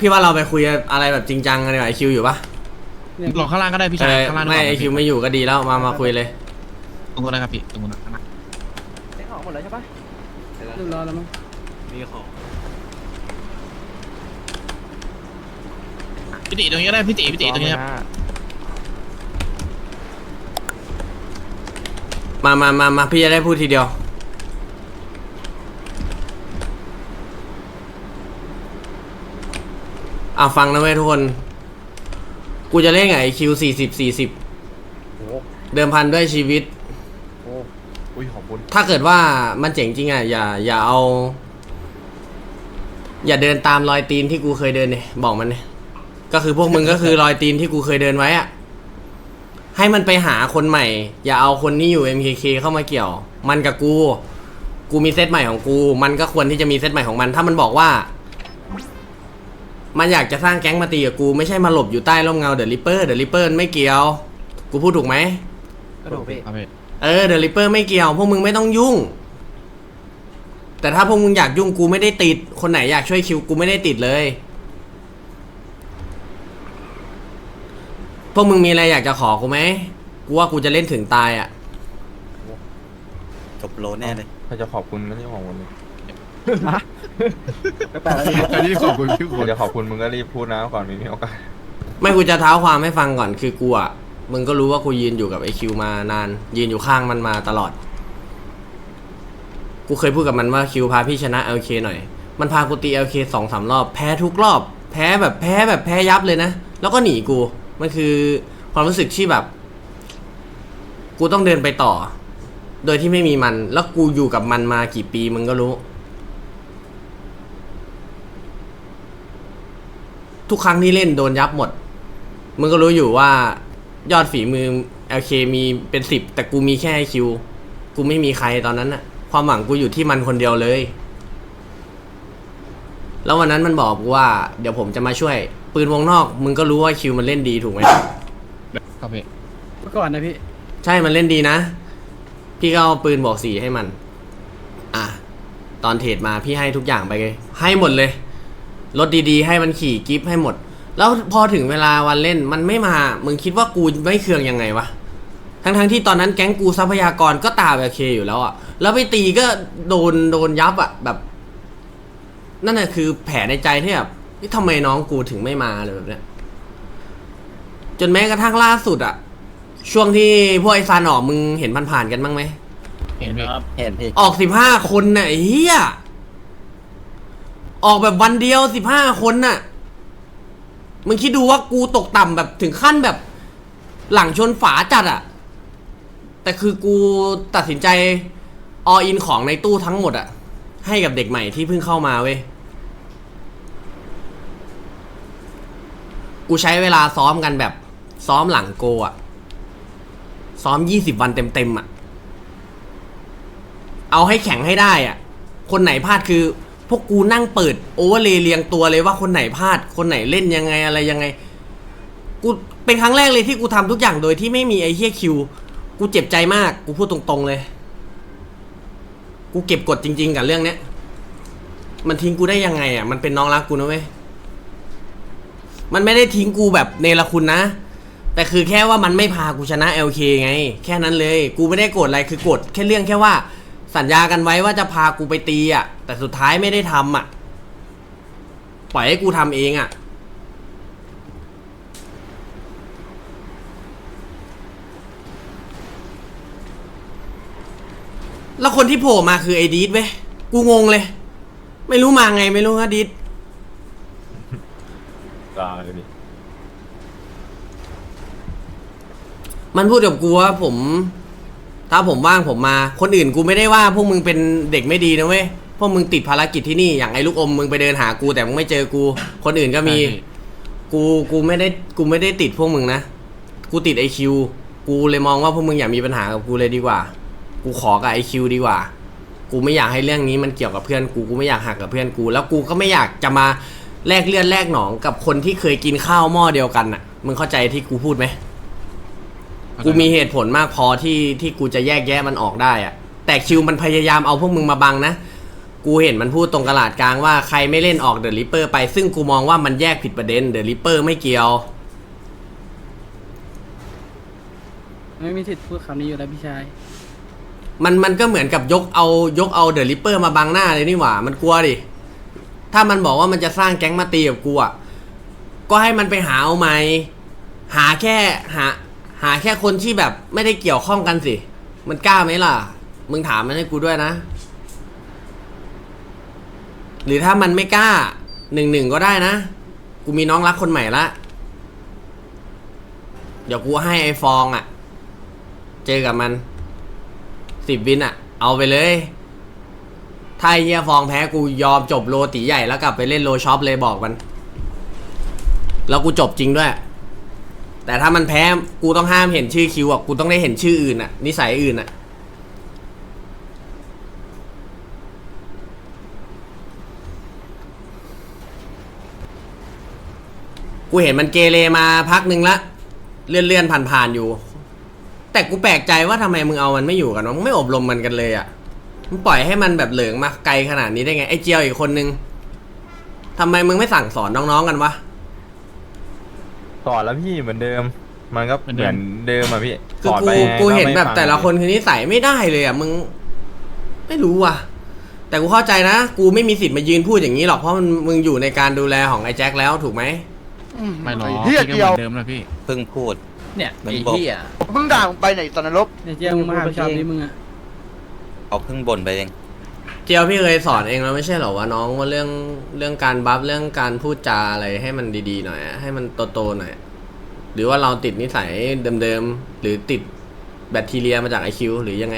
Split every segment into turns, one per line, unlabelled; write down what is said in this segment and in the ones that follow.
พี่ว่าเราไปคุยอะไรแบบจริงจังกันดีกว่าไอคิวอยู่ปะ
หลอกข้างล่างก็ได้พี่ชายข้างล่าง
ไม่ไอคิวไม่อยู่ก็ดีแล้วมาคุยเลย
ตรงนู้นนะครับพี่ตรงนู้นข้างล่าง
เซ็งของหมดแล้วใช่ปะ
เรียบร้อยแล้วมั้ง
มีของ
พี่ติตรงนี้ก็ได้พี่ติตรงนี้ครับ
มาพี่จะได้พูดทีเดียวฟังนะเว้ยทุกคนกูจะเล่นไงไอคิว40เดิมพันด้วยชีวิต
อุ้ยขอบคุณ
ถ้าเกิดว่ามันเจ๋งจริงอ่ะอย่าเอาอย่าเดินตามรอยตีนที่กูเคยเดินเนี่ยบอกมันเนี่ยก็คือพวกมึงก็คือรอยตีนที่กูเคยเดินไว้อ่ะให้มันไปหาคนใหม่อย่าเอาคนที่อยู่ MKK เข้ามาเกี่ยวมันกับกูมีเซตใหม่ของกูมันก็ควรที่จะมีเซตใหม่ของมันถ้ามันบอกว่ามันอยากจะสร้างแก๊งมาตีกับกูไม่ใช่มาหลบอยู่ใต้ร่มเงาเดอะริปเปอร์ไม่เกี่ยวกูพูดถูกไหม
กระโดดพี่
ครับพี่
เดอะริปเปอร์ไม่เกี่ยวพวกมึงไม่ต้องยุ่งแต่ถ้าพวกมึงอยากยุ่งกูไม่ได้ติดคนไหนอยากช่วยคิวกูไม่ได้ติดเลยพวกมึงมีอะไรอยากจะขอกูไหมกูว่ากูจะเล่นถึงตายอ่ะ
จบโลแน่เลย
ถ้าจะขอบคุณไม่ใช่ของมันเลย
แปลกแล้วพี่
อันนี้ขอบคุณพี่คุณ
ถ้าจะขอบคุณมึงก็รีบพูดนะก่อนมีโอกาส
ไม่กูจะเท้าความให้ฟังก่อนคือกูอ่ะมึงก็รู้ว่ากูยืนอยู่กับไอคิวมานานยืนอยู่ข้างมันมาตลอดกูเคยพูดกับมันว่าคิวพาพี่ชนะ LK หน่อยมันพากูตี LK 2-3 รอบแพ้ทุกรอบแพ้ยับเลยนะแล้วก็หนีกูมันคือความรู้สึกที่แบบกูต้องเดินไปต่อโดยที่ไม่มีมันแล้วกูอยู่กับมันมากี่ปีมึงก็รู้ทุกครั้งที่เล่นโดนยับหมดมึงก็รู้อยู่ว่ายอดฝีมือ LK มีเป็น10แต่กูมีแค่คิวกูไม่มีใครตอนนั้นน่ะความหวังกูอยู่ที่มันคนเดียวเลยแล้ววันนั้นมันบอกกูว่าเดี๋ยวผมจะมาช่วยปืนวงนอกมึงก็รู้ว่าคิวมันเล่นดีถูกไหม
ครับพี่
เมื่อก่อนนะพี่
ใช่มันเล่นดีนะพี่ก็เอาปืนบอก4ให้มันตอนเทรดมาพี่ให้ทุกอย่างไปเลยให้หมดเลยรถดีๆให้มันขี่กิฟต์ให้หมดแล้วพอถึงเวลาวันเล่นมันไม่มามึงคิดว่ากูไม่เคืองยังไงวะทั้งที่ตอนนั้นแก๊งกูทรัพยากรก็ตาแบบเคอยู่แล้วอะแล้วไปตีก็โดนยับอะแบบนั่นแหะคือแผลในใจที่แบบทำไมน้องกูถึงไม่มาเลยแบบเนี้ยจนแม้กระทั่งล่าสุดอะช่วงที่พวกไอซานออกมึงเห็นผ่านๆกันบ้างไหม
เห็นพี่
เห็นพี่
ออก15 คนน่ะไอ้เหี้ยออกแบบวันเดียว15 คนน่ะมึงคิดดูว่ากูตกต่ำแบบถึงขั้นแบบหลังชนฝาจัดอะแต่คือกูตัดสินใจออินของในตู้ทั้งหมดอะให้กับเด็กใหม่ที่เพิ่งเข้ามาเว้ยกูใช้เวลาซ้อมกันแบบซ้อมหลังโกอะซ้อม20 วันเต็มๆอะเอาให้แข็งให้ได้อะคนไหนพลาดคือพวกกูนั่งเปิดโอเวอร์เลยเรียงตัวเลยว่าคนไหนพลาดคนไหนเล่นยังไงอะไรยังไงกูเป็นครั้งแรกเลยที่กูทำทุกอย่างโดยที่ไม่มีไอ้เฮียคิวกูเจ็บใจมากกูพูดตรงๆเลยกูเก็บกดจริงๆกับเรื่องเนี้ยมันทิ้งกูได้ยังไงอ่ะมันเป็นน้องรักกูนะเว้ยมันไม่ได้ทิ้งกูแบบเนรคุณนะแต่คือแค่ว่ามันไม่พากูชนะ LK ไงแค่นั้นเลยกูไม่ได้โกรธอะไรคือโกรธแค่เรื่องแค่ว่าสัญญากันไว้ว่าจะพากูไปตีอ่ะแต่สุดท้ายไม่ได้ทำอ่ะปล่อยให้กูทำเองอ่ะแล้วคนที่โผล่มาคือไอ้ดีดเว้ยกูงงเลยไม่รู้มาไงไม่รู้นะดีด
ลาเลยดิ
มันพูดกับกูว่าถ้าผมว่างผมมาคนอื่นกูไม่ได้ว่าพวกมึงเป็นเด็กไม่ดีนะเว้ยพวกมึงติดภารกิจที่นี่อย่างไอ้ลูกอมมึงไปเดินหากูแต่มึงไม่เจอกูคนอื่นก็มีกูไม่ได้ติดพวกมึงนะกูติดไอคิวกูเลยมองว่าพวกมึงอย่ามีปัญหากับกูเลยดีกว่ากูขอกับไอคิวดีกว่ากูไม่อยากให้เรื่องนี้มันเกี่ยวกับเพื่อนกูไม่อยากหักกับเพื่อนกูแล้วกูก็ไม่อยากจะมาแลกเลือดแลกหนองกับคนที่เคยกินข้าวหม้อเดียวกันน่ะมึงเข้าใจที่กูพูดไหมกูมีเหตุผลมากพอที่กูจะแยกแยะมันออกได้อะแต่คิวมันพยายามเอาพวกมึงมาบังนะกูเห็นมันพูดตรงกระดาษกลางว่าใครไม่เล่นออกเดอะริปเปอร์ไปซึ่งกูมองว่ามันแยกผิดประเด็นเดอะริปเปอร์ไม่เกี่ยว
ไม่มีสิทธิ์พูดคำนี้อยู่แล้วพี่ชาย
มันก็เหมือนกับยกเอาเดอะริปเปอร์มาบังหน้าเลยนี่หว่ามันกลัวดิถ้ามันบอกว่ามันจะสร้างแก๊งมาตีกับกูอ่ะก็ให้มันไปหาเอาไหมหาแค่คนที่แบบไม่ได้เกี่ยวข้องกันสิมันกล้าไหมล่ะมึงถามมันให้กูด้วยนะหรือถ้ามันไม่กล้า1-1ก็ได้นะกูมีน้องรักคนใหม่ละเดี๋ยวกูให้ไอ้ฟองอ่ะเจอกับมัน10 วินอ่ะเอาไปเลยถ้าไอ้เฮียฟองแพ้กูยอมจบโลตีใหญ่แล้วกลับไปเล่นโลช็อปเลยบอกมันแล้วกูจบจริงด้วยแต่ถ้ามันแพ้กูต้องห้ามเห็นชื่อคิวอ่ะกูต้องได้เห็นชื่ออื่นอ่ะนิสัยอื่นอ่ะกูเห็นมันเกเรมาพักหนึ่งละเลื่อนผ่านอยู่แต่กูแปลกใจว่าทำไมมึงเอามันไม่อยู่กันวะมึงไม่อบรมมันกันเลยอ่ะมึงปล่อยให้มันแบบเหลิงมาไกลขนาดนี้ได้ไงไอ้เจียวอีกคนนึงทำไมมึงไม่สั่งสอนน้องๆกันวะ
สอนแล้วพี่เหมือนเดิม มันก็เหมือนเดิมอะพี่
คือ
สอนไป
กูเห็น
ไม่
แบบ
ฟัง
แต่ละคนคือนิสัยไม่ได้เลยอ่ะมึงไม่รู้ว่ะแต่กูเข้าใจนะกูไม่มีสิทธิ์มายืนพูดอย่างนี้หรอกเพราะมึงอยู่ในการดูแลของไอ้แจ็คแล้วถูกไหม
ไม่หรอก
เหี้
พี่
ย
ก็
เดี
เห
ยว
มือนเดิมนะพี่
เพิ่งพูด
เนี่ย
มัน
ไอ้
บอก
เหี้ย
มึงด่ามึงไปไหนตอนนรก
เนี่ยเจียมึงมาหาพี่ชาวนี้มึงอะ
เขาเพิ่งบ่นไปเอง
เจียวพี่เคยสอนเองแล้วไม่ใช่เหรอว่าน้องว่าเรื่องการบัฟเรื่องการพูดจาอะไรให้มันดีๆหน่อยอะให้มันโตๆหน่อยหรือว่าเราติดนิสัยเดิมๆหรือติดแบคทีเรียมาจากไอคิวหรือยังไง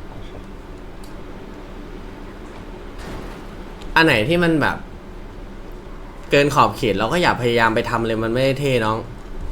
อันไหนที่มันแบบเกินขอบเขตเราก็อย่าพยายามไปทำเลยมันไม่ได้เท่น้อง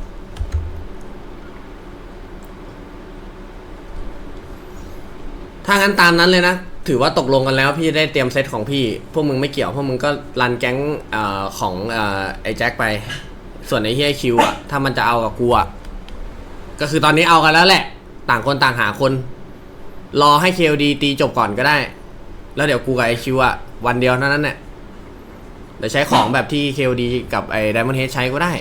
ถ้างั้นตามนั้นเลยนะถือว่าตกลงกันแล้วพี่ได้เตรียมเซตของพี่พวกมึงไม่เกี่ยวพวกมึงก็รันแก๊งของไอ้แจ็คไปส่วนไอ้เฮียคิวอ่ะถ้ามันจะเอากับกูอ่ะก็คือตอนนี้เอากันแล้วแหละต่างคนต่างหาคนรอให้ KLD ตีจบก่อนก็ได้แล้วเดี๋ยวกูกับไอ้คิวอ่ะวันเดียวเท่านั้นแหละเดี๋ยวใช้ของแบบที่ KLD กับไอ้ Diamond Head ใช้ก็ได้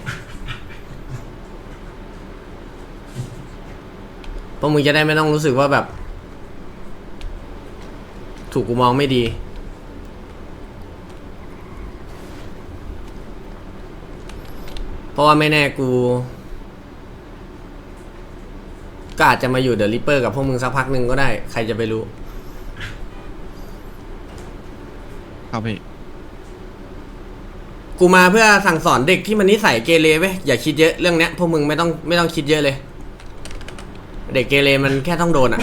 พวกมึงจะได้ไม่ต้องรู้สึกว่าแบบถูกกูมองไม่ดีเพราะว่าไม่แน่กูก็อาจจะมาอยู่เดอะริปเปอร์กับพวกมึงสักพักหนึ่งก็ได้ใครจะไปรู้
ครับพี่
กูมาเพื่อสั่งสอนเด็กที่มันนิสัยเกเรเว้ยอย่าคิดเยอะเรื่องเนี้ยพวกมึงไม่ต้องคิดเยอะเลย เด็กเกเรมันแค่ต้องโดนอ่ะ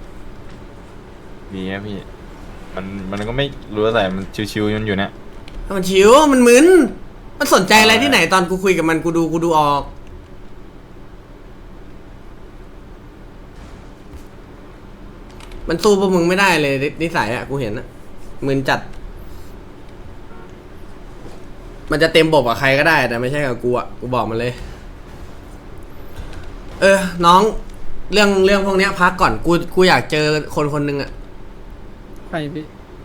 มีนะพี่มันก็ไม่รู้อะไรมันชิวๆอยู่เนี่ย
มันชิวมันมึนมันสนใจอะไรที่ไหนตอนกูคุยกับมันกูดูออกมันสู้พวกมึงไม่ได้เลยนิสัยอ่ะกูเห็นอ่ะมึนจัดมันจะเต็มบบกับใครก็ได้แต่ไม่ใช่กับกูอ่ะกูบอกมันเลยน้องเรื่องพวกเนี้ยพักก่อนกูอยากเจอคนนึงอ่ะ
ไปพี่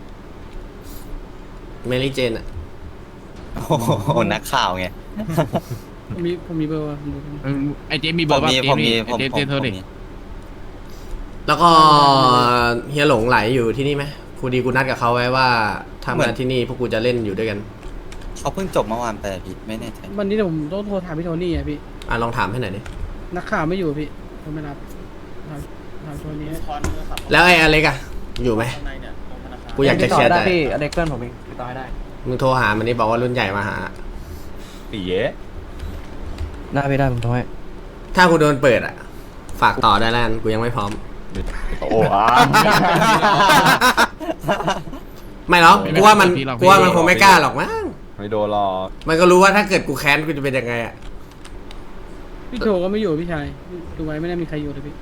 เมลี่เจนอ่ะ
โอ้โหนักข่าวไง
ผมมีเบอร์ว่ะผมดูกัน
ไอเจมมีเบอร์ป่ะ
ผม
เจ
มี
มไอเจมโทรดิ
แล้วก็เฮียหลงไหลอยู่ที่นี่ไหมครูดีกูนัดกับเขาไว้ว่าถ้ามาที่นี่พวกกูจะเล่นอยู่ด้วยกัน
เขาเพิ่งจบเมื่อวานไปอะพี่ไม่แน่ใจ
วันนี้เดี๋ยวผมต้องโทรถามพี่โทนี่อ่ะพี่
ลองถามให้หน่อยดิ
นักข่าวไม่อยู่พี่ผมไม่รับถามโทนี่ให้
แล้วไอ้อเล็กอะอยู่ไหมกูอยากจะแชร์
ได้
แต่
พี่อเด็กเพื่อนผมเองติดต่อให้ได้
มึงโทรหามันนี่บอกว่ารุ่นใหญ่มาหา
ปีเย้
ได้พี่ได้ผมโทรให้
ถ้ากูโดนเปิดอะฝากต่อได้แล้วกันกูยังไม่พร้อม
โอ้อ่ะ
ไม่หรอกกูว่ามันคงไม่กล้าหรอกมั้ง
ไม่โดนหรอก
มันก็รู้ว่าถ้าเกิดกูแค้นกูจะเป็นยังไงอะ
พี่โทก็ไม่อยู่พี่ชายดูไว้ไม่ได้มีใครอยู่เลยพี่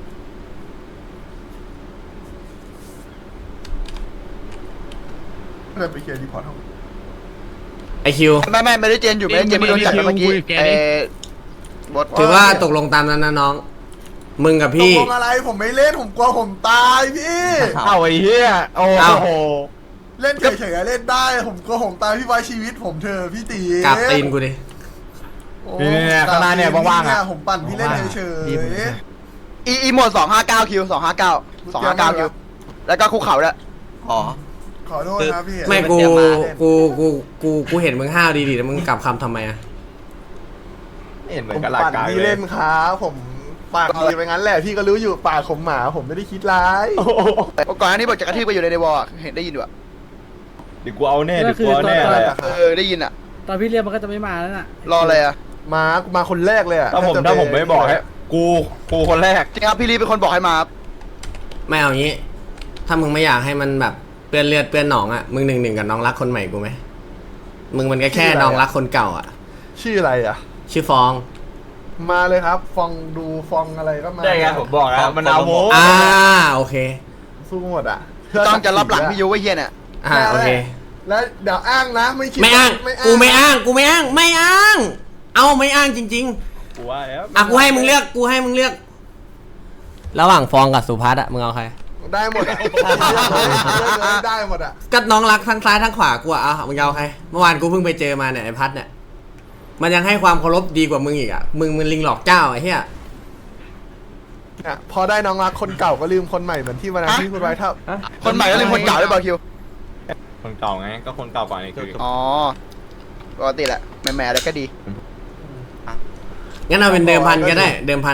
ไปเคลียร์รีพอร์ตห้อง
ไอคิว
ไม่ได้เจนอยู่ไม่ได้เจนไม่โดนจับเมื่อกี้บท
ถือว่าตกลงตามนั้นนะน้อง มึงกับ
ต
พี่
กลงอะไรผมไม่เล่นผมกลัวผมตายพี่
เอาไอ้เหี้ยโอ้โห
เล่นเฉยๆเล่นได้ผมตามพี่ไว้ชีวิตผมเธอะพี่ตี
กราบตีนกูดิ
โอ้
เนี่ยข้างหน้าเนี่ยว่างๆอ่ะ
ผมปั่นพี่เล่นเฉย
อีโหมด259คิว259คิวแล้วก็คุกเข่าด้วย
อ๋อ
ๆขอโทษนะพี่
ไม่
มันจะมา
กูเห็นมึงห้าวดีๆแล้วมึงกลับคำทำไมอะ
เห็นเหมื
ผ
อน
ม
กับหลัก
ปั่น
การ
พี่
เล
เล่
ย
นครับผมปากดีไปงั้นแหละพี่ก็รู้อยู่ปากผมหมาผมไม่ได้คิดร้าย
ก่อนหน้านี้บอกจะกระทืบไปอยู่ในวอลเห็นได้ยินอยู่อะ
เดี๋ยวกูเอาแน่เดี๋ยวกูเอาแน่อะไรอะ
ได้ยินอะ
ตอนพี่เรียกมันก็จะไม่มาแล้วน่ะ
รออะไรอะ
มาคนแรกเลยอะ
ถ้าผมไม่บอกให้กูคนแรก
จริงครับพี่ลีเป็นคนบอกให้มาครับ
ไม่เอางี้ ถ้ามึงไม่อยากให้มันแบบเปื้อนเลือดเปื้อนหนองอะมึง1-1กับน้องรักคนใหม่กูไหมมึงมันก็แค่น้องรักคนเก่าอะ
ชื่ออะไรอะ
ชื่อฟอง
มาเลยครับฟองดูฟองอะไรก็มา
ได้ไงผมบอกแล้วมันเอาโม
โอเค
สู้หมดอะ
ต้องจะรับหลังพี่ยูไว้เฮียเนี่ย
โอเค
แล้วเดี๋ยวอ้างนะไม่คิด
ไม่อ้าง กูไม่อ้าง ไม่อ้าง เอาไม่อ้างจริง
กูว่าแล้ว
ๆกูให้มึงเลือก ระหว่างฟองกับสุภัสอะมึงเอาใคร
ได้หมดอะได้หมดอะ
ก็น้องรักทั้งซ้ายทั้งขวากูอะมึงเอาใคร เมื่อวานกูเพิ่งไปเจอมาเนี่ยไอ้พัดเนี่ย มันยังให้ความเคารพดีกว่ามึงอีกอะมึงลิงหลอกเจ้าไอ้เหี้ย
เนี่ยพอได้น้องรักคนเก่าก็ลืมคนใหม่เหมือนที่วันนั้นที่พูดไว้ถ้า
คนใหม่ก็เลยคนเก่าด้วยบอลคิว
คนเก่าไงก็คนเก่าก่อนนี่คือ
อ๋อปกติแหละแหม่ๆแล้วก็ดี
งั้นเอาเป็นเดิมพันก็ได้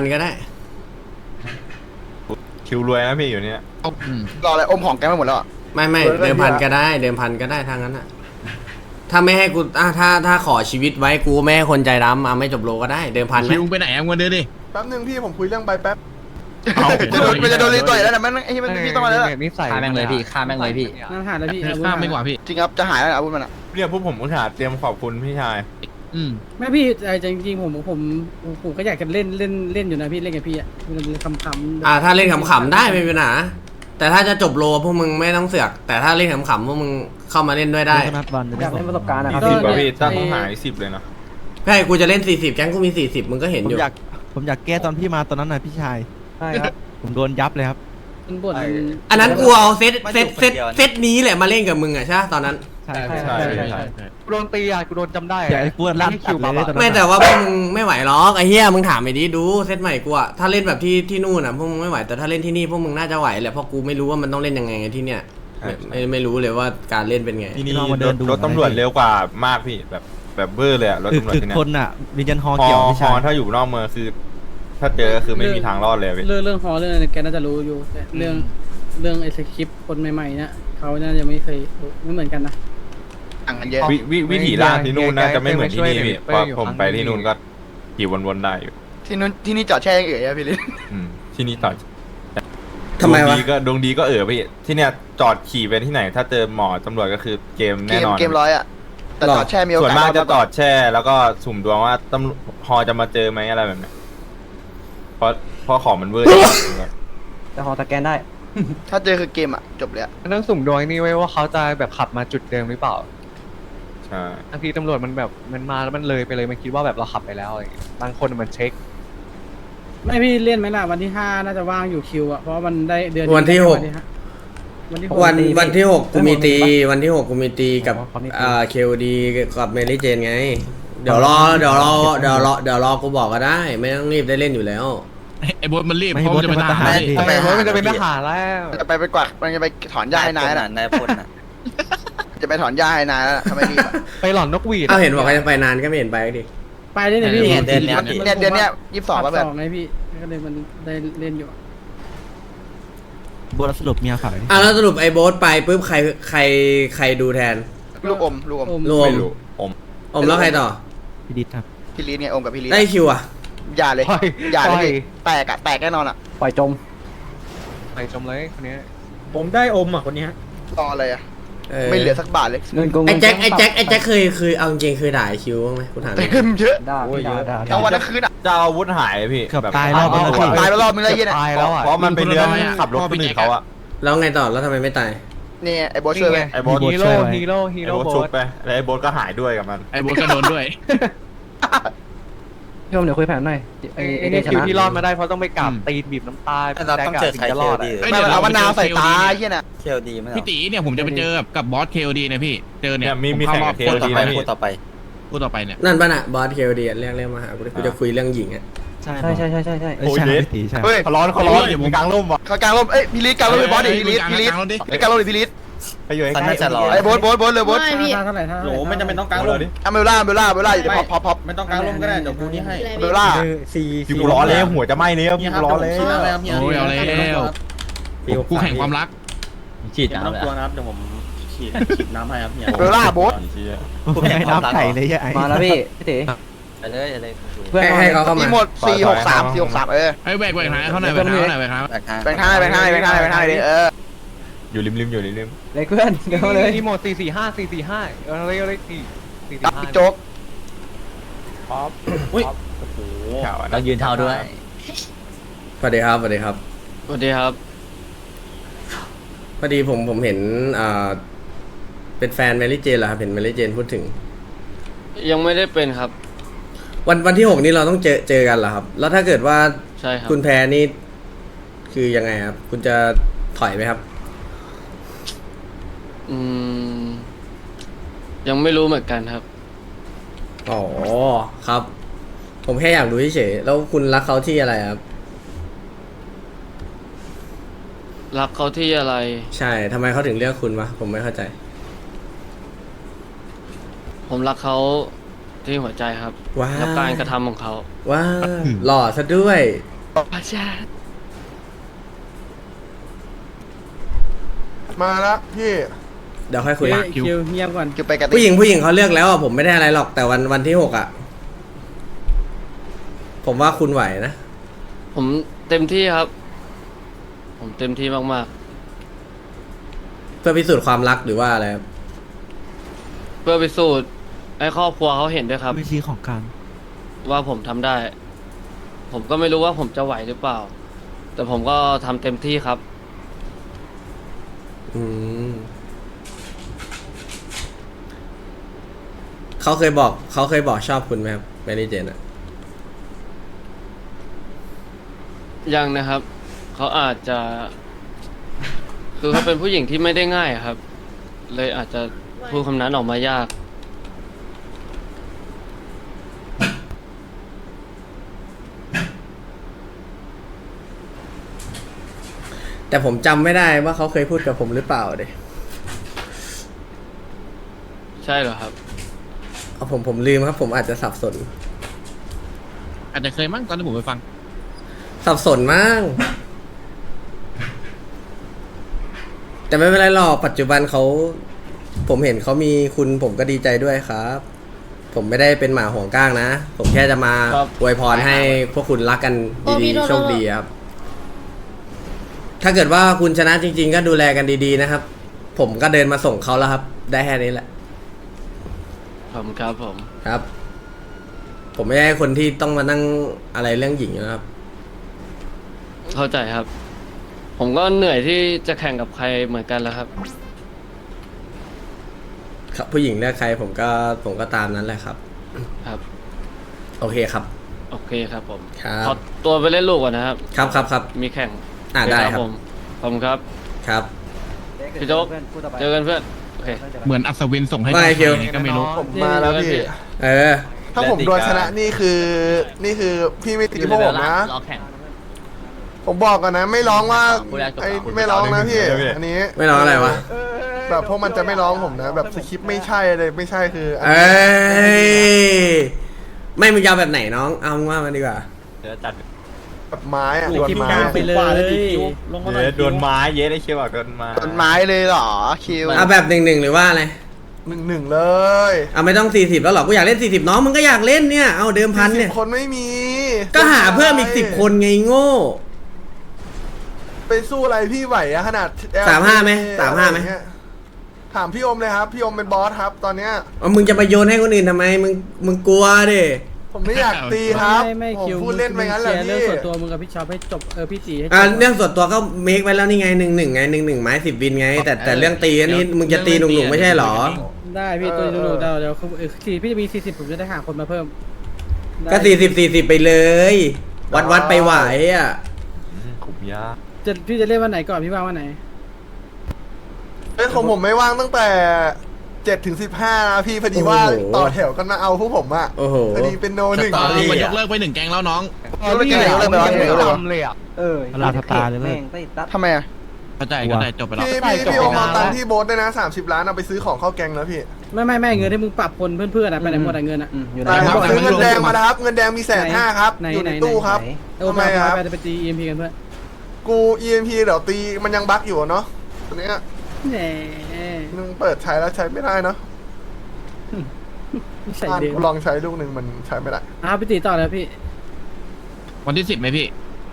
คิวรวยนะพี่อยู่เนี่ย
รออะไรอมของแกไม่หมดแล้วอะ
ไม่เดิมพันก็ได้ทางนั้นอะถ้าไม่ให้กูถ้าขอชีวิตไว้กูไม่ให้คนใจดำไม่จบโลก็ได้ เดิมพันไหม
คิวไปไหนมึงเดินดิ
แป๊บนึงพี่ผมคุยเรื่องใบแป๊บ
จะโดนรีต่อยแล้วนะมันไอ้ที่มันพี่ต้องมาแล้ว
นิสัย
ฆ่าแม่งเลยพี่ฆ่าแม่งเลยพี่
นั่นหาแล้วพี่
ข้ามไม่กว่าพี่
จริงครับจะหายแล้วอาวุธมันอะ
เรียกพวกผมอุตส่าห์เตรียมขอบคุณพี่ชาย
แม่พี่จริงๆผมก็อยากจะเล่นอยู่นะพี่เล่นกับพี่อ่ะคำ
ถ้าเล่นขำๆได้ไม่เป็นปัญหาแต่ถ้าจะจบโลพวกมึงไม่ต้องเสือก แต่ถ้าเล่นขำๆพวกมึงเข้ามาเล่นด้วยได้
นัดวันอยากเล่นประสบการณ์นะค
มี
รับ
10ป่ะพี่ตั้งหาย10เลยนะ
ใช่กูจะเล่น40แก๊งกูมี40มึงก็เห็น
ผม
อยู่
อยากแก้ตอนพี่มาตอนนั้นนะพี่ชายใช่ครับผมโดนยับเลยครับ
มันบ่น
อันนั้นกูเอาเซตนี้แหละมาเล่นกับมึงอะใช่ปะตอนนั้น
ใช่
กูโดนตีอ่ะกูโดนจำได้
อยากให้กูลั่นคิวเลยตอนนั้น
ไม่แต่ว่าพวกมึงไม่ไหวหรอกไอ้เหี้ยมึงถามไปดิดูเซตใหม่กูอะถ้าเล่นแบบที่นู่นอะพวกมึงไม่ไหวแต่ถ้าเล่นที่นี่พวกมึงน่าจะไหวแหละเพราะกูไม่รู้ว่ามันต้องเล่นยังไงที่เนี่ยไม่รู้เลยว่าการเล่นเป็นไง
ที่นี่รถตำรวจเร็วกว่ามากพี่แบบเบอร์เลยอะรถตำรวจที่
คือ
เนี่ย
คนอ่ะวิญญาณฮอ
ฮ
เกี่ยวพี่
อ
ชาย
ถ้าอยู่นอกเมืองคือ ถ้าเจอคือไม่มีทางรอดเลยพี่
เรื่องฮอเรื่องอะไรแกน่าจะรู้อยู่แต่เรื่องไอ้สคริปต์คนใหม่ๆเนี่ยเขาน่าจะไม่เคยไม่เหมือนกันนะ
ต่างกันเยอะ
วิถีล่างที่นู่นน่าจะไม่เหมือนที่นี่พี่เพราะผมไปที่นู่นก็ขี่วนๆได้อยู่
ที่นี่จอดแช่ยังเอ๋ยอะพี่ลิ
ที่นี่ต่อ
ทำไมวะ
ดวงดีก็พี่ที่เนี่ยจอดขี่ไปที่ไหน ถ้าเจอหมอตำรวจก็คือเกมแน่นอน
เกมร้อยอะแต่จอดแช่มีโอ
ส่วน
กาส
มากจะจอดแช่ แล้วก็สุ่มดวงว่าตำรวจฮอจะมาเจอไหมอะไรแบบนี้เพราะของมันเวอร์
แต่ฮอสแกนได้
ถ้าเจอคือเกมอะจบเลยอะ
ต้องสุ่มดวงนี่ไว้ว่าเขาจะแบบขับมาจุดเดิมหรือเปล่า
ใช่
บางทีตำรวจมันแบบมันมาแล้วมันเลยไปเลยมันคิดว่าแบบเราขับไปแล้วอะไรอย่างเงี้ยบางคนมันเช็ค
ไม่พี่เล่นไหมล่ะวันที่5น่าจะว่างอยู่คิวอ่ะเพราะว่ามันได้เดือน
วันที่6
วันที่
วันที่6กูมีตีวันที่6กูมีตีกับเคลดีกับเมลี่เจนไงเดี๋ยวรอกูบอกก็ได้ ไม่ต้องรีบได้เล่นอยู่แล้ว
ไอ้บอสมันรีบเพราะมันจะไปทหาร
แต่เพราะมันจะเป็นทหารแล้ว
จะไปกวาดมันจะไปถอนหญ้าให้นายน่ะ
นายพลน่ะ
จะไปถอนหญ้าให้นายแล้วทำไมรีบอะ
ไปหลอนนกหวีด
เอาเห็นบอกว่าจะไปนานก็ไม่เห็นไปดิ
ไปได้เนี่ยพี่
เดือนเนี้ย22แล้วแบบ
ไงพี่ก็เลยมันได้เล่นอยู่
บัวสรุปเมียขาย
แล้วสรุปไอ้โบ๊ทไปปุ๊บใครดูแทน
ลูกอม
รวม
ไม่รู้ผม
อมแล้วใครต่อ
พี่ดิษครับ
พี่ลีไงอมกับพี่ลี
ได้คิวอ่ะ
อย่าเลยอย่าเลยพี่แตกอะแตกแน่นอนอะ
ปล่อยจม
ไปจมเลยคนนี้
ผมได้อมอ่ะคนนี้
รออะไรอะไม่เหลือสักบาทเลย
เงินโกง
ไอ้แจ็คเคยเอาจริงเคยด่าไอ้คิวบ้างไหมกูถาม
เต็มเยอะ
ด่าด่า
ทั้งวันทั้งคืนอะ
จะเอาอาวุธหายพี่
เกือบตายรอบนึง
ตายไปรอบนึงแล้วเย็นอะ
ตายแล้วอ่ะ
เพราะมันเป็นเรื่องขับรถคนอื่นเขาอะ
แล้วไงต่อแล้วทำไมไม่ตาย
นี่ไอ้โบช่วยไป
ไอ้โบ๊ท
ฮีโร่ฮีโร่
ไอ้โบ๊ทชุบไปแล้วไอ้โบ๊ทก็หายด้วยกับมัน
ไอ้บอสก็โดนด้วย
พี่ผมเดี๋ยวคุยแผนหน่อยไอ้
นี่
เดช
คิว
นะ
ที่รอดมาได้เพราะต้องไปกราบตีนบีบน้ำตา
เราต้องเจอใคร
จะ
เค
รอ
ล
ด
ดี
อะ
ไม่เอามะนาวใส่ตาไอ้เหี้ยน่ะ
เคลดีไหม
พี่ตีเนี่ยผมจะไปเจอกับบอสเคลดีนะพี่เจอเนี่ย
มี
ผ
แข่ง
เข้าร
กั
อ
บบ เค
พู
ล
ดต่อ
ดี
ไป
นะพี่
พูดต่อไป
พูดต่อไปเนี่ย
นั่นป่ะน่ะบอสเคลดีเรียกมาหากูจะคุยเรื่องหญิงอ่ะ
ใช่
ใช่ใช่ใช่ใช่ใช่
เอ้ยใช่พี่ตีใช่
เฮ้ย
เขาร้อนเดี๋ยวมึงกลางร่มวะ
เขากลางร่มเอ้ยพี่ลิศกลางร่มไปบอสดิพี่ลิศพี่ลิศกลางร่มดิพี่ลิศ
ไปอยู่ใก
เขา
ล้
น่าจะรอ
ไอ้โบ๊ทเลยโบ๊ท
เท่าไหร่เท่าไหร่
โหลไม่จำเป็นต้องกางร่ม
เอาเบลล่าอยู่ในพอป
ไม่ต้องกางร่มก็ได้เดี๋ยวกูนี่ให้
เบลล่า
พี่กูร้อนเลยหัวจะไหม้เลย
เฮี
พี่
ยครับ
ร้อนเลย
ชี้หน้าเลยครับเฮีย
โอ้ยเอาแล้วกูแข่งความรัก
ฉีดน้ำตัวนะครับเดี๋ยวผมฉีดน้ำให้ครับเฮีย
เบลล่าโบ๊ท
ผมให้น้ำไข่เลยไอ้
มาแล้วพี่ตี
ไปเลยอะไร
เพื่อน
ให้เขาเข้า
มี
มา
หมด463
ไอ้แบกหาเขาหน่อยแบกหาเขาหน่อยแบกหา
แบกทาง
แบ่งทางดิ
อยู่ริมอยู่ริม
เลยเพื่อนเดี๋ยวเลย
อีโมด445เอาเลย
กับพี่
445
โจ๊ก
อุ้ย
ข่าว
ต้องยืนเท้าด้วย
สวัสดีครับสวัสดีครับ
สวัสดีครับ
พอดีผมเห็นเป็นแฟนแมรี่เจนเหรอครับเห็นแมรี่เจนพูดถึง
ยังไม่ได้เป็นครับ
วันที่ 6นี้เราต้องเจอกันเหรอครับ แล้วถ้าเกิดว่า
ใช่ครับ
คุณแพ้นี่คือยังไงครับ คุณจะถอยไหมครับ
ยังไม่รู้เหมือนกันครับ
อ๋อครับ ผมแค่อยากรู้เฉยๆแล้วคุณรักเขาที่อะไรครับ
รักเขาที่อะไร
ใช่ทำไมเขาถึงเลือกคุณวะผมไม่เข้าใจ
ผมรักเขาที่หัวใจครับ
ว้าว
และการกระทำของเขา
ว้าหล่อซะด้วย
พระเจ้า
มาแล้วพี่
เดี๋ยวค่อยคุย
คิวเงียบก่อน
คือไปกัน
ผู้หญิงเขาเลือกแล้วอ่ะผมไม่ได้อะไรหรอกแต่วันที่ 6อ่ะ ผมว่าคุณไหวนะ
ผมเต็มที่ครับ ผมเต็มที่มาก
เพื่อพิสูจน์ความรักหรือว่าอะไรครับ
ๆ เพื่อไปสูตรให้ครอบครัวเขาเห็นด้วยครับ
วิธีของการ
ว่าผมทำได้ ผมก็ไม่รู้ว่าผมจะไหวหรือเปล่า แต่ผมก็ทำเต็มที่ครับ
อืมเขาเคยบอกชอบคุณไหมครับแมรี่เจนอ่ะ
ยังนะครับ เขาอาจจะ คือเขาเป็นผู้หญิงที่ไม่ได้ง่ายอะครับ เลยอาจจะพูดคำนั้นออกมายาก
แต่ผมจำไม่ได้ว่าเขาเคยพูดกับผมหรือเปล่าเดย
ใช่เหรอครับ
เอาผมลืมครับ ผมอาจจะสับสน
อาจจะเคยมั้งตอนที่ผมไปฟัง
สับสนมั้งแต่ไม่เป็นไรหรอกปัจจุบันเขาผมเห็นเขามีคุณผมก็ดีใจด้วยครับ ผมไม่ได้เป็นหมาห่วงก้างนะ ผมแค่จะมา
ครับ
อวยพรให้พวกคุณรักกันดีๆโชคดีครับ ถ้าเกิดว่าคุณชนะจริง ๆ ก็ดูแลกันดีๆนะครับ ผมก็เดินมาส่งเขาแล้วครับ ได้แค่นี้แหละ
ผมครับผม
ครับ ผมไม่ใช่คนที่ต้องมานั่งอะไรเรื่องหญิงนะครับ
เข้าใจครับ ผมก็เหนื่อยที่จะแข่งกับใครเหมือนกันแล้วครับ
ครับผู้หญิงเลือกใครผมก็ตามนั้นแหละครับ
ครับ
โอเคครับ
โอเคครับผม
ครับ
ขอตัวไปเล่นลูกก่อนนะครับ
ครับ
มีแข่ง
ได้ครับ
ผมขอบคุณครับ
ครับ
พี่โจ๊ก เจอกันเพื่อน โอเค
เหมือนอัศวินส่งให้
ไม่คิว
ใครก็ไม่รู้
ผมมาแล้วพี่
เออ
ถ้าผมโดนชนะนี่คือพี่ไม่ตีพวกผมนะ ผมบอกกันนะไม่ร้องว่าไอ้ไม่ร้องนะพี่ อันนี้
ไม่ร้องอะไรวะ
แบบพวกมันจะไม่ร้องผมนะ แบบสคริปต์ไม่ใช่เลยไม่ใช่คืออัน
เอ้
นี้
ยไม่มึงยาวแบบไหนน้อง เอามึงว่ามันดีกว่า
เดี๋ยวจัด
แบบไม้อะโดน
คิว
ไม้
กลางไปเลย
ลงมาหน่อย
โดนไม้เย้ได้เชียวบอกโดนไม้
ต้นไม้เลยเหรอคิว
เอาแบบ1-1หรือว่าอะไร
1-1เลย
เอาไม่ต้อง40แล้วหรอกูอยากเล่น40น้องมึงก็อยากเล่นเนี่ยเอาเดิมพันเนี่ย
40คนไม่มี
ก็หาเพิ่มอีก10คนไงโง่
ไปสู้อะไรพี่ไหวอะขนาด
35ไหม35ไหม
อะไรเงี้ยถามพี่อมเลยครับ พี่อมเป็นบอสครับ ตอนเนี้ย
เอามึงจะไปโยนให้คนอื่นทำไมมึงกลัวดิ
ผมไม่อยากตีครับ
ไม่
ผม
คิว
พูดเล่นไปงั้นแหละ
เรื่อง
พี่
ส่วนตัวมึงกับพี่ชอบให้จบพี่ตีให้จบ
เรื่องส่วนตัวก็เมคไว้แล้วนี่ไง1-1ไง1-1ไม้10วินไง แต่เรื่องตีอันนี้มึงจะตีหนุ่มๆไม่ใช่หรอ
ได้พี่ตัวดูเดี๋ยวพี่จะมี40ผมจะได้หาคนมาเพิ่ม
ก็40-40ไปเลย วัดไปไหวอ่ะ
ขุมยา
พี่จะเล่นวันไหนก่อนพี่ว่างวันไหน
เรื่องของผมไม่ว่างตั้งแต่7 ถึง 15นะพี่พอดีว่า
โอ้โห
ต่อแถวกันมาเอาพวกผมอะ
โอ้โห
พอดีเป็นโนหนึ่ง
ตอน
พี่
นี้มันยกเลิกไป1 แก๊งแล้วน้อง
เรื่องอะไรเรื่องอะไรเรื่องอะไร
ทำเลยอ่ะ
ลาสตาร์เลยเลย
ทำไมอะ
เข้าใจจบไปแล้ว
พี่โอมเอาตังค์ที่โบ๊ทด้วยนะ30 ล้านเอาไปซื้อของเข้าแกงแล้วพี่
ไม่เงินที่มึงปรับคนเพื่อนๆอะไปไหนหมดอะเงินอะ
แต่ผมซื้อเงินแดงมานะครับเงินแดงมี150,000ครับอยู่ในตู้ครับ
เออ
ทำไมครับ
ไปตี EMP กันเพื่อน
กู EMP เดี๋ยวตีมันยังบั๊กอยู่เนาะตัวเนี้ย
แหม
มึงเปิดใช้แล้วใช้ไม่ได้เนาะ
ใส่เดิม
กูลองใช้ลูกหนึ่งมันใช้ไม่ได้
พี่ตีต่อแล้วพี่
วันที่10ไหมพี่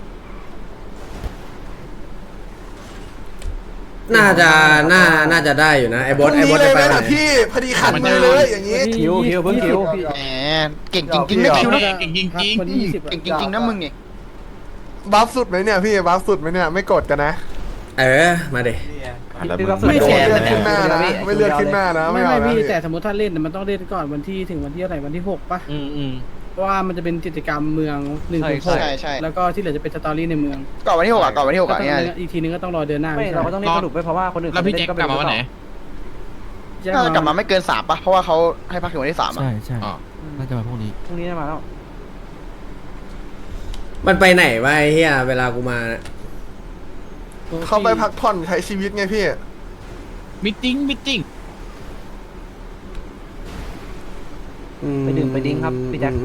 น่าจะได้อยู่นะไอ้บอส
พรุ่งนี้
จะไป
เลยไหม
ไหน
ล่ะพี่พอดีขัดมือเลยอย่างนี้
คิวเพิ่งคิว
แหมเก่งจริงๆนะคิวนะ
เก่งจริง
คนที่20
เก่งจริงๆนะมึงนี่
บัฟสุดไหมเนี่ยพี่บัฟสุดไหมเนี่ยไม่กดกันนะ
มาเด
ไม่แชร์
เลือดขึ้นหน้านะไม่เลือดขึ้นหน้านะ
ไม่
เอานะ
พี่แต่สมมติถ้าเล่นมันต้องเล่นก่อนวันที่ถึงวันที่อะไรวันที่6ป่ะ เพราะว่ามันจะเป็นกิจกรรมเมือง1-6
ใช่
แล้วก็ที่เหลือจะเป็นสตอรี่ในเมือง
ก่อนวันที่6ก่อนวันที่6อ่ะเนี่ย
อีกทีนึงก็ต้องรอเดือนหน้า
ไม่เราก็ต้องเล่นสนุกไปเพราะว่าคนอื่น
แล้วพี่แจ็คกลับมาวันไหน
น่าจะกลับมาไม่เกิน3ป่ะเพราะว่าเขาให้พักถึงวันที่3อ่ะ
ใช่
อ๋อ
น่าจะมาพวกนี้
พรุ่งนี้จะมาแล้ว
มันไปไหนวะไอ้เฮียเวลากูมานะ
เขาไปพักผ่อนใช้ชีวิตไงพี่
มิทติ้ง
ไปดื่มไปดิ้งครับพี่แจ็ค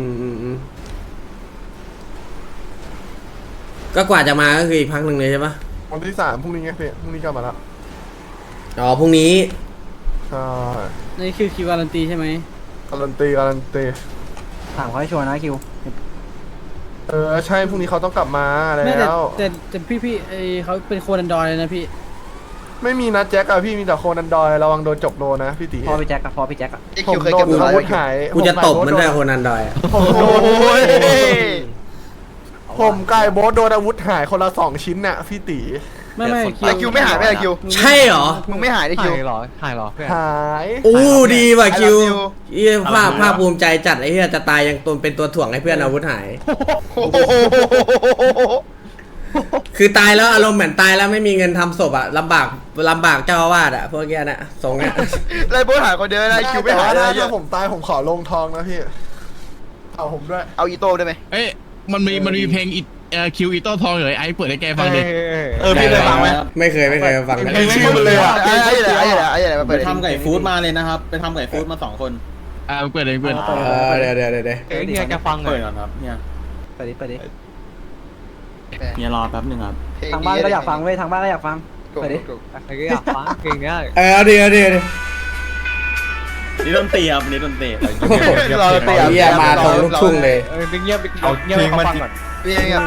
ก็กว่าจะมาก็คืออีกพักหนึ่งเลยใช่ปะ
วันที่3พรุ่งนี้ไงพี่พรุ่งนี้กลับมาแล้ว
อ๋อพรุ่งนี้
ใช่
นี่คือคิวการันตีใช่ไหม
การันตี
ถามเขาให้ชัวร์นะคิว
ใช่พรุ่งนี้เขาต้องกลับมาแล้
ไม่
ว
แต่พี่ไอเขาเป็นโคนันดอยเลยนะพี่
ไม่มีนัดแจ็คอะพี่มีแต่โคนันดอยระวังโดนจบโลนะพี่ตี
พอพี่แจ็คกับพอพี่แจ็คอะ
ไอ้
ผ
คิว
ม
เคย
โด
เก็
น
บ
อาวุธหาย
กูจะตบมันด้วยโคนันดอยอะ
ผมกายโบ๊ทโดนอาวุธหายคนละ2 ชิ้นน่ะพี่ตี
ไม่
ไอ้คิวไม่หายไม่ไอ้คิว
ใช่เหรอ
มึงไม่หายไอ้คิว
ถ่ายเหรอเพื่อน
หาย
อู้ดีว่ะคิว
I love you
เฮียภาคภูมิใจจัดไอ้เฮียจะตายยังตนเป็นตัวถ่วงให้เพื่อนอาวุธหาย คือตายแล้วอารมณ์เหมือนตายแล้วไม่มีเงินทำศพอะลำบากเจ้าอาวาสอะพวกเนี้ยนะทรงเนี้ย
ไล่โบ๊ทหายคนเดียวไอ้คิวไม่หายเลย
ถ้าผมตายผมขอลงทองนะพี่เอาผมด้วย
เอาอีโต้ได้ไหม
เอ้ยมันมีเพลงคิวอีโต้ทองเลยไอ้เปิดให้แกฟังดิ
พี่เคยฟังไหม
ไม่เคยฟังเลย
ไม่ชื่อมันเลยอะ
ไอ้อะไรมาเปิด
ทำไก่ฟู้ดมาเลยนะครับ ไปทำไก่ฟู้ดมา2 คน
เปิดเลยเปิด
เดี๋ยว
เอ้ยเนี่ยแกฟังหน่
เปิ
อ
ด
ย
ก่อนครับเนี่ย
ไปดิ
เนี่ยรอแป๊บนึงครับ
ทางบ้านก็อยากฟังเว้ยทางบ้านก็อยากฟังไปดิก็อยากฟังเพลงเนี้ย
เอาดิ
นี่ดนตรีครับนี่ดนตรี
รอเตีย
เฮียมาตรงลูกทุ่งเลย
เงียบ
เอา
เงียบ
เพลง
เขา
มา
ฟัง
จิ
ก่อน
เตีย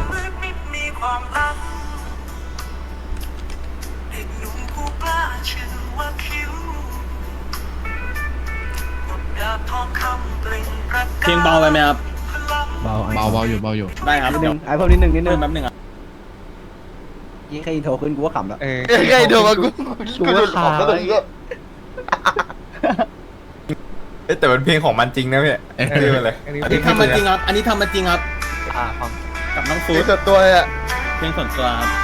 เพลงเบาไปไหมครับ
เบาอยู่
ได้ครับ
นิดนึ
เดี๋ยว
งไอ้พวกนิดนึง
เพิ่มแป๊บนึงครับ
ยี่ใครโทรขึ้นกูก็ขำแล้ว
ใกล้โดนกู
กูว่าขา
แต่เป็นเพลงของมันจริงนะพี่ชื่อมันเลย
อันนี้
อันนี้ทำมาจริงครับ อันนี้ทำมาจริงครับ
ฟัง
กับน้องฟู
นี่
ด
สุดตัวเลยอ่ะ
เพลงส่วนตัวครับ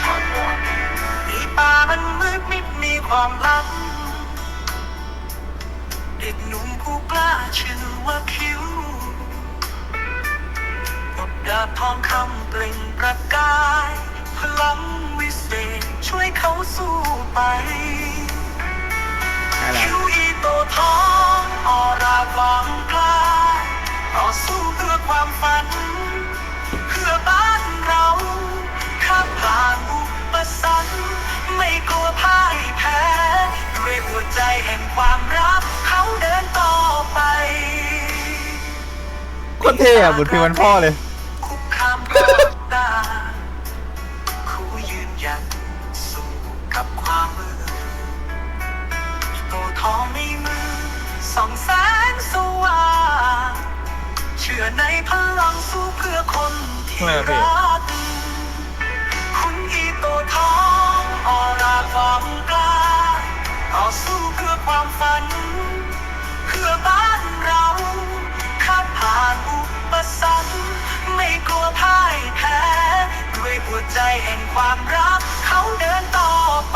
ป่ามันมืดมิดมีความลับเด็กหนุ่มผู้กล้าชื่อว่าคิวบทดาบทองคำเปล่งประกายพลังวิเศษช่วยเขาสู้ไปคิวอีโตทองออราความกล้าต่อสู้เพื่อความฝันเพื่อบ้านเราข้ามผ่านอุปสรรคไม่กลัวพ่ายแพ้ด้วยหัวใจแห่งความรักเขาเดินต่อไป
โคตรเท่อะบทเพลงมันพ่อเลย
คุกคามความตาคู่ยืนหยัดสู้กับความมืดโตทองในมือส่องแสงสว่างเชื่อในพลังสู้เพื่อคนที่รักคุณอีโตทองออราความกล้าต่อสู้เพื่อความฝันเพื่อบ้านเราข้ามผ่านอุปแห่งความรักเขาเดินต่อไป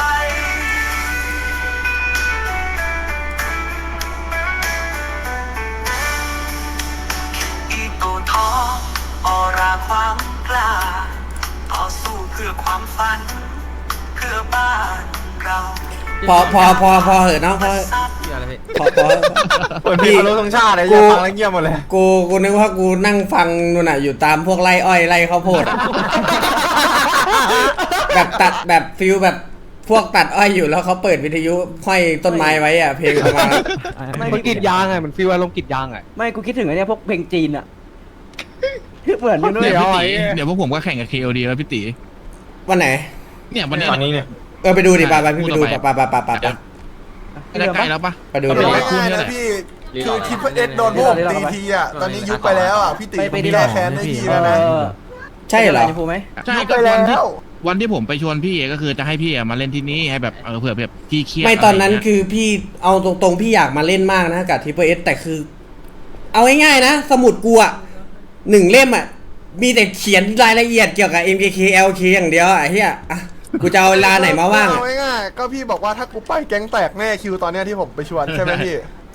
อีโตทองออราความกล้าต่อสู้เพื่อความฝัน เพื่อบ้านเรา
พอเหอะน้องพอพอ
เปิดเพลงรู้ตรงชาติเลยอย่าฟังแล้วเงียบหมดเลย
กูนึกว่ากูนั่งฟังนู่นน่ะอยู่ตามพวกไร่อ้อยไร่ข้าวโพดอะ แบบตัดแบบฟิลแบบพวกตัดอ้อยอยู่แล้วเขาเปิดวิทยุห้อยต้นไม้ไว้อ่ะเพลงประมาณ
มันกรีดยางไงมันฟีลอารมณ์กรีดยางไง
ไม่กูคิดถึงไอ้เนี่ยพวกเพลงจีนอะเหมือนกันด้ว
เดี๋
ย
ยวพี่ตีเดี๋ยวพวกผมก็แข่งกับ KOD แล้วพี่ตี
วันไหน
เนี่ยวันเนี้ย
ตอนนี้เนี่ย
ไปดูดิไปพี่ไปดูไป
ได้ใกล้แล้วปะ
ไปดู
มัน
ดิ
ไม่ง่ายนะพี่คือคิดว่าเอ็ดโดนพวกผมตีทีอ่ะตอนนี้ยุบไปแล้วอ่ะพี่ตีผมแก้แค้นได้ทีแล้วนะ
ใช่เหรอ
พูไหม
ใช่
ยุบ
ก็
ไป
วันที่
แล้ว
วันที่ผมไปชวนพี่ก็คือจะให้พี่มาเล่นที่นี่ให้แบบเผื่อแบบพี่เครียด
ไม่ตอนนั้น
ะไรเงี้ย
คือพี่เอาตรงๆพี่อยากมาเล่นมากนะกับTPSแต่คือ เอาง่ายๆนะ สมุดกูอ่ะ1 เล่มอ่ะมีแต่เขียนรายละเอียดเกี่ยวกับ MKK LK อย่างเดียวอ่ะเฮียอ่ะกูจะเอาเวลาไหนมาว่าง
เอาง่ายๆก็พี่บอกว่าถ้ากูไปแก๊งแตกแน่คิวตอนเนี้ยที่ผมไปชวนใช่ไหมพี่